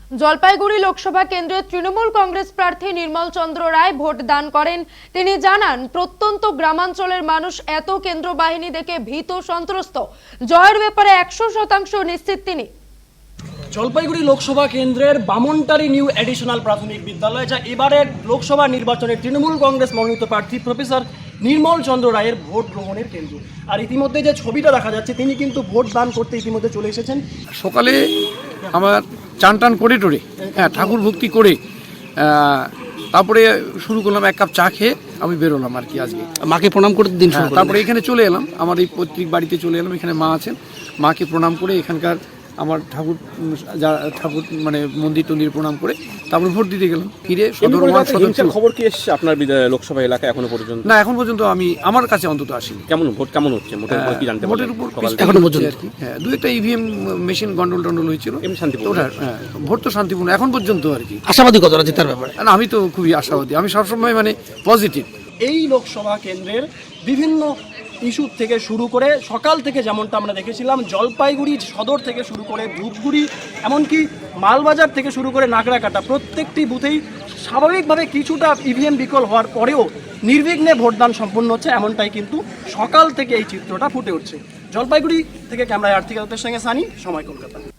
জলপাইগুড়ি লোকসভা কেন্দ্রের তৃণমূল কংগ্রেস প্রার্থী নির্মল চন্দ্র রায় ভোট দান করেন। তিনি জানান, প্রত্যন্ত গ্রামাঞ্চলের মানুষ এত কেন্দ্র বাহিনী দেখে ভীত সন্ত্রস্ত। জয়ের ব্যাপারে 100% নিশ্চিত তিনি। জলপাইগুড়ি লোকসভা কেন্দ্রের বামনটারি নিউ এডিশনাল প্রাথমিক বিদ্যালয়, যা এবারের লোকসভা নির্বাচনে তৃণমূল কংগ্রেস মনোনীত প্রার্থী প্রফেসর নির্মল চন্দ্র রায়ের ভোট গ্রহণের কেন্দ্র। আর ইতিমধ্যে যে ছবিটা দেখা যাচ্ছে, তিনি কিন্তু ভোট দান করতে ইতিমধ্যে চলে এসেছেন। সকালে আমার চান টান করে টোরে ঠাকুর ভক্তি করে তারপরে শুরু করলাম, এক কাপ চা খেয়ে আমি বেরোলাম আর কি। আজকে মাকে প্রণাম করতে দিন তারপরে এখানে চলে এলাম, আমার এই পৈতৃক বাড়িতে চলে এলাম। এখানে মা আছেন, মাকে প্রণাম করে এখানকার আমার ঠাকুর মানে মন্দির টন্দির প্রণাম করে তারপর ভোট দিতে গেলাম। ফিরে খবর কি এসছে আপনার লোকসভা এলাকায় এখনো পর্যন্ত? না, এখন পর্যন্ত আমি আমার কাছে অন্তত আসিনি। ভোট কেমন হচ্ছে ভোটের উপর এখনো পর্যন্ত আর কি। হ্যাঁ, দু একটা ইভিএম মেশিন গন্ডল টন্ডল হয়েছিল। ভোট তো শান্তিপূর্ণ এখন পর্যন্ত আর কি। আশাবাদী কতটা জেতার ব্যাপারে? না, আমি তো খুবই আশাবাদী, আমি সবসময় মানে পজিটিভ। এই লোকসভা কেন্দ্রের বিভিন্ন ইস্যু থেকে শুরু করে সকাল থেকে যেমনটা আমরা দেখেছিলাম, জলপাইগুড়ি সদর থেকে শুরু করে ধূপগুড়ি, এমনকি মালবাজার থেকে শুরু করে নাগরাকাটা, প্রত্যেকটি বুথেই স্বাভাবিকভাবে কিছুটা ইভিএম বিকল হওয়ার পরেও নির্বিঘ্নে ভোটদান সম্পন্ন হচ্ছে, এমনটাই কিন্তু সকাল থেকে এই চিত্রটা ফুটে উঠছে। জলপাইগুড়ি থেকে ক্যামেরায় আর্থিক সঙ্গে সানি, সময় কলকাতা।